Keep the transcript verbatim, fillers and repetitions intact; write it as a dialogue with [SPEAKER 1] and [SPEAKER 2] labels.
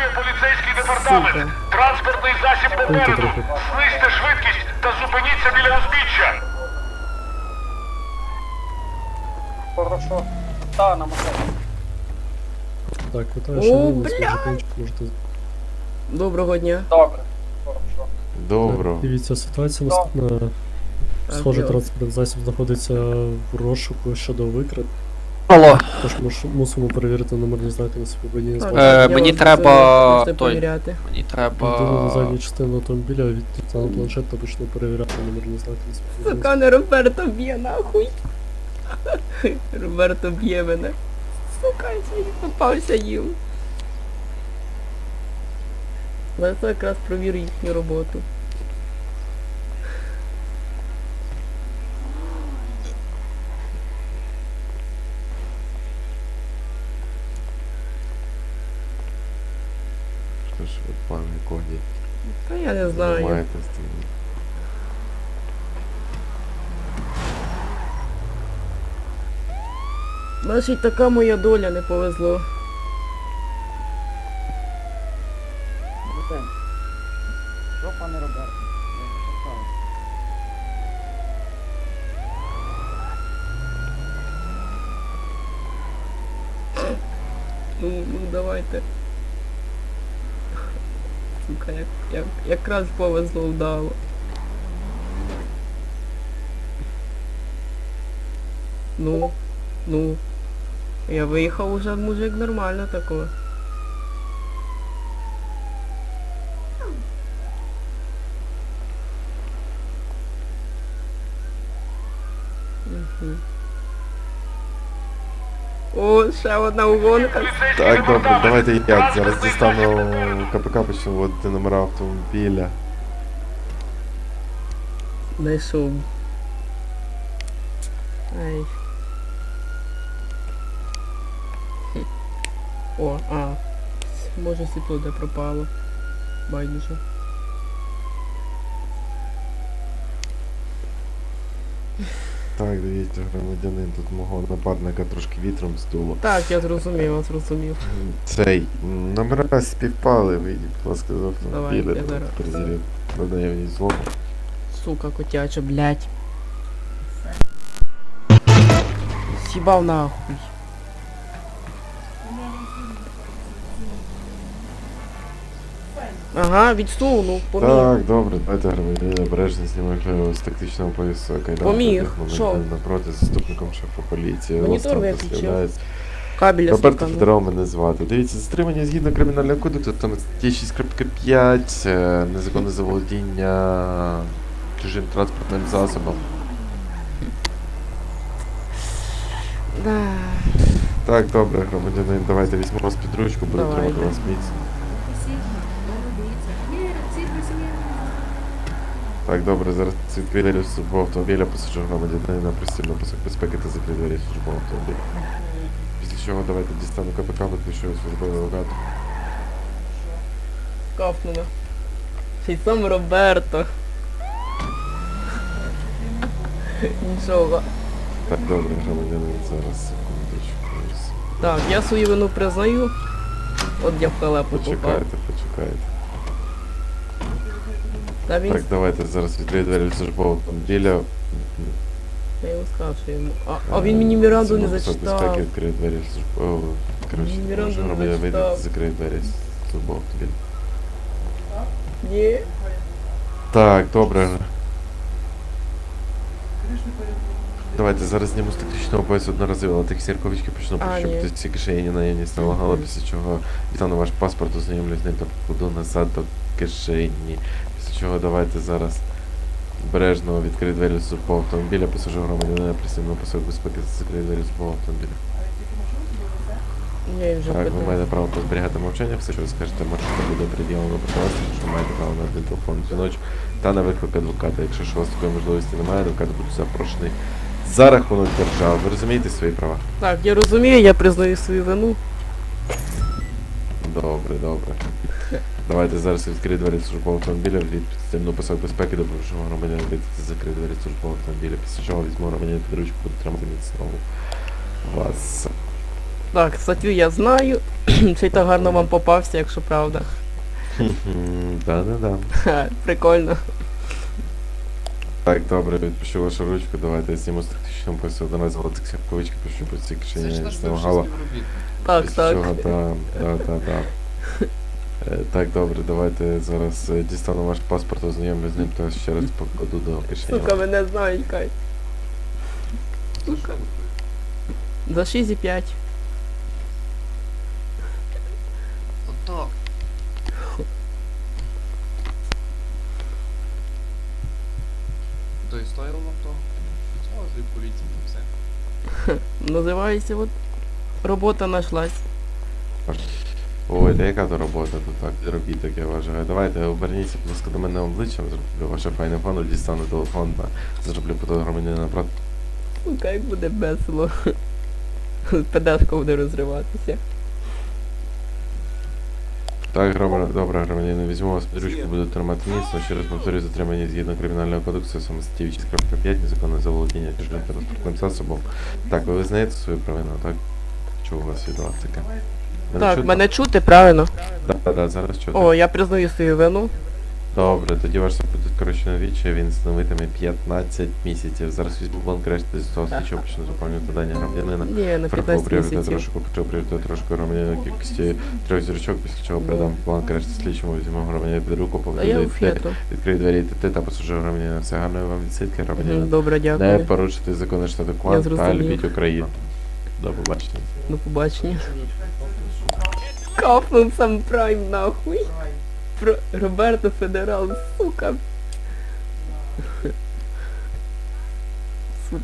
[SPEAKER 1] поліцейський департамент. Транспортний засіб попереду. Знизьте швидкість та зупиніться біля узбіччя.
[SPEAKER 2] Хорошо. Та, на машині.
[SPEAKER 3] Так, вітаю,
[SPEAKER 4] О,
[SPEAKER 3] шановні,
[SPEAKER 4] бля!
[SPEAKER 3] споживачі, можете...
[SPEAKER 4] Доброго дня.
[SPEAKER 2] Добре. Хорошо.
[SPEAKER 5] Добро.
[SPEAKER 3] Дивіться, ситуація наступна. Схоже, транспортний засіб знаходиться в розшуку щодо викрит.
[SPEAKER 6] Алло,
[SPEAKER 3] Тож муш- мусимо перевірити номерні знаки на собі водії з
[SPEAKER 4] Так,
[SPEAKER 3] базі.
[SPEAKER 6] Е,
[SPEAKER 4] я
[SPEAKER 6] мені
[SPEAKER 4] вас
[SPEAKER 6] треба
[SPEAKER 4] можете
[SPEAKER 6] той.
[SPEAKER 4] перевіряти.
[SPEAKER 6] мені
[SPEAKER 3] Людину
[SPEAKER 6] треба...
[SPEAKER 3] на задню частину автомобіля відійти на планшет та почне перевіряти номерні знаки на собі водії.
[SPEAKER 4] Сука, не Роберто б'є, нахуй. Роберто б'є мене. Сука, я сьогодні попався їм. Але це якраз провірю їхню роботу.
[SPEAKER 5] Що ж ви, пане Коді,
[SPEAKER 4] Та я не знаю.
[SPEAKER 5] маєте з тим?
[SPEAKER 4] Значить, така моя доля, не повезло.
[SPEAKER 2] Що, пане Роберт? Я не шукаю.
[SPEAKER 4] Ну, ну давайте. Сука, як, як, якраз повезло вдало. Ну, ну. Я виїхав уже, мужик, нормально такого. Угу. О, ще одна угонка.
[SPEAKER 5] Так, добре, давайте я зараз дістану КПК, почну вводити номера автомобіля.
[SPEAKER 4] Знайшов. Ай. Хм. О, а. Може світло де пропало. Байдуже.
[SPEAKER 5] Так, дивіться, громадянин, тут мого напарника трошки вітром здуло.
[SPEAKER 4] Так, я зрозумів, я зрозумів.
[SPEAKER 5] Цей, м, номера співпали, вийдіть, будь ласка, з автомобіля.
[SPEAKER 4] Давай, я зараз.
[SPEAKER 5] Перевірю на наявність злому.
[SPEAKER 4] Сука котяча, блядь. Сібав нахуй. Ага, відсунув, поміг.
[SPEAKER 5] Так, добре, давайте громадянин обережно знімає з тактичного поясу кайдан.
[SPEAKER 4] Поміг, що?
[SPEAKER 5] Напроти заступником шефа поліції.
[SPEAKER 4] Монітор
[SPEAKER 5] Остап
[SPEAKER 4] виключив.
[SPEAKER 5] Василяєць.
[SPEAKER 4] Кабеля
[SPEAKER 5] Роберто
[SPEAKER 4] слухану.
[SPEAKER 5] Федоров мене звати. Дивіться, затримання згідно кримінального кодексу, там статті шість крапка п'ять, е, незаконне заволодіння чужим транспортним засобом.
[SPEAKER 4] Да.
[SPEAKER 5] Так, добре, громадянин, давайте візьмемо вас під ручку, буду
[SPEAKER 4] Давайте.
[SPEAKER 5] тримати вас міцно. Так, добре, зараз відкрию двері службового автомобіля, посаджу громадянина, пристібну пасок безпеки та закрию двері службового автомобіля. Після чого давайте дістану КПК, виключу службовий логатор.
[SPEAKER 4] Кафнула. Ще й сам Роберто. Нічого.
[SPEAKER 5] Так, добре, громадянин, зараз секундочку.
[SPEAKER 4] Так, я свою вину признаю. От я в халепу попав.
[SPEAKER 5] Почекайте, почекайте.
[SPEAKER 4] Та він...
[SPEAKER 5] Так, давайте зараз відкрию двері службового автомобіля.
[SPEAKER 4] Я йому сказав, що йому... А, а він мені Міранду не
[SPEAKER 5] Це пасок
[SPEAKER 4] зачитав.
[SPEAKER 5] безпеки, відкрию двері службового... Коротше,
[SPEAKER 4] Він Міранду
[SPEAKER 5] може
[SPEAKER 4] не
[SPEAKER 5] громадянин вийде,
[SPEAKER 4] зачитав.
[SPEAKER 5] закриє двері службового автомобіля.
[SPEAKER 4] Ні.
[SPEAKER 5] Так, добре. Давайте зараз зніму з тактичного поясу одноразово, але такі сірковички почну
[SPEAKER 4] А,
[SPEAKER 5] прищепити
[SPEAKER 4] ні.
[SPEAKER 5] всі кишені наявність налагала, після чого дістану ваш паспорт, ознайомлюсь з ним та покладу назад до кишені. Після чого давайте зараз обережно відкрию двері службового автомобіля, посажу громадянина, пристібну пасок безпеки, закрию двері службового автомобіля.
[SPEAKER 4] Я їм вже
[SPEAKER 5] Так, ви
[SPEAKER 4] питав.
[SPEAKER 5] маєте право позберігати мовчання, все, що ви скажете, можете буде приділено проти вас, що маєте право на один телефонний дзвіночок та на виклик адвоката. Якщо ж у вас такої можливості немає, адвокат буде запрошений за рахунок держави. Ви розумієте свої права?
[SPEAKER 4] Так, я розумію, я признаю свою вину.
[SPEAKER 5] Добре, добре. Давайте зараз відкрию двері службового автомобіля, від підстемну пасок безпеки, допоможу громадянину вийти закрити двері службового автомобіля. Після чого візьму громадянина під ручку, буду тримати міцно вас.
[SPEAKER 4] Так, статтю я знаю. Ще й так гарно вам попався, якщо правда.
[SPEAKER 5] Да-да-да.
[SPEAKER 4] Ха, прикольно.
[SPEAKER 5] Так, добре, відпущу вашу ручку, давайте я зніму з тактичним поясу одразу золотих сяпковички, пишу по цій
[SPEAKER 6] Це ж
[SPEAKER 5] кишені
[SPEAKER 6] наш
[SPEAKER 5] з нього
[SPEAKER 6] бивший
[SPEAKER 5] гала.
[SPEAKER 6] співробітник.
[SPEAKER 4] Так,
[SPEAKER 5] Після
[SPEAKER 4] так.
[SPEAKER 5] чого, да, да, да, да. Е, Так, добре, давайте зараз е, дістану ваш паспорт, ознайомлю з ним та ще раз покладу до кишені.
[SPEAKER 4] Сука, мене знають, Кай. Сука. За шість і п'ять.
[SPEAKER 6] Отак. То і стоїло вам того? Цього з поліції і все.
[SPEAKER 4] Називається от робота нашлась.
[SPEAKER 5] Ой, та яка то робота, то так, робіть таке, вважаю. Давайте оберніться, будь ласка, до мене обличчям, зроблю ваше файне фону, дістану телефон та зроблю фото громадянина напроти.
[SPEAKER 4] Сука, як буде весело. Педашка буде розриватися.
[SPEAKER 5] Так, громадян, добре, громадянин, візьму вас під ручку, буду тримати міцно, ще раз повторюю, затримання згідно кримінального кодексу, саме статті вісім п'ять, незаконне заволодіння чужим транспортним засобом. Так, ви визнаєте свою провину, так? Чого у вас від вас таке?
[SPEAKER 4] Так,
[SPEAKER 5] чутно?
[SPEAKER 4] мене чути, правильно?
[SPEAKER 5] Так, так, да, зараз чути.
[SPEAKER 4] О, я признаю свою вину.
[SPEAKER 5] Добре, тоді ваш суд буде скорочено віче, він становитиме п'ятнадцять місяців. Зараз візьму бланк решти з того слідчого почну заповнювати дані громадянина.
[SPEAKER 4] Ні, на
[SPEAKER 5] Фарбу
[SPEAKER 4] п'ятнадцять
[SPEAKER 5] пріоритет
[SPEAKER 4] місяців.
[SPEAKER 5] трошку, почав пріоритет трошки громадянина кількості трьох зірочок, після чого передам бланк решти слідчому, візьму громадянина під руку,
[SPEAKER 4] А
[SPEAKER 5] поведу
[SPEAKER 4] я
[SPEAKER 5] до
[SPEAKER 4] у
[SPEAKER 5] двері,
[SPEAKER 4] фету.
[SPEAKER 5] відкрию двері ти та пасажир громадянина. Все гарної вам відсидки,
[SPEAKER 4] Мгм,
[SPEAKER 5] громадянин.
[SPEAKER 4] Добре,
[SPEAKER 5] Не
[SPEAKER 4] дякую.
[SPEAKER 5] порушити закони штату Кван та
[SPEAKER 4] зрозумів.
[SPEAKER 5] любіть Україну. До побачення.
[SPEAKER 4] До побачення. Капнув сам прайм нахуй. Про Роберто Федерал, сука.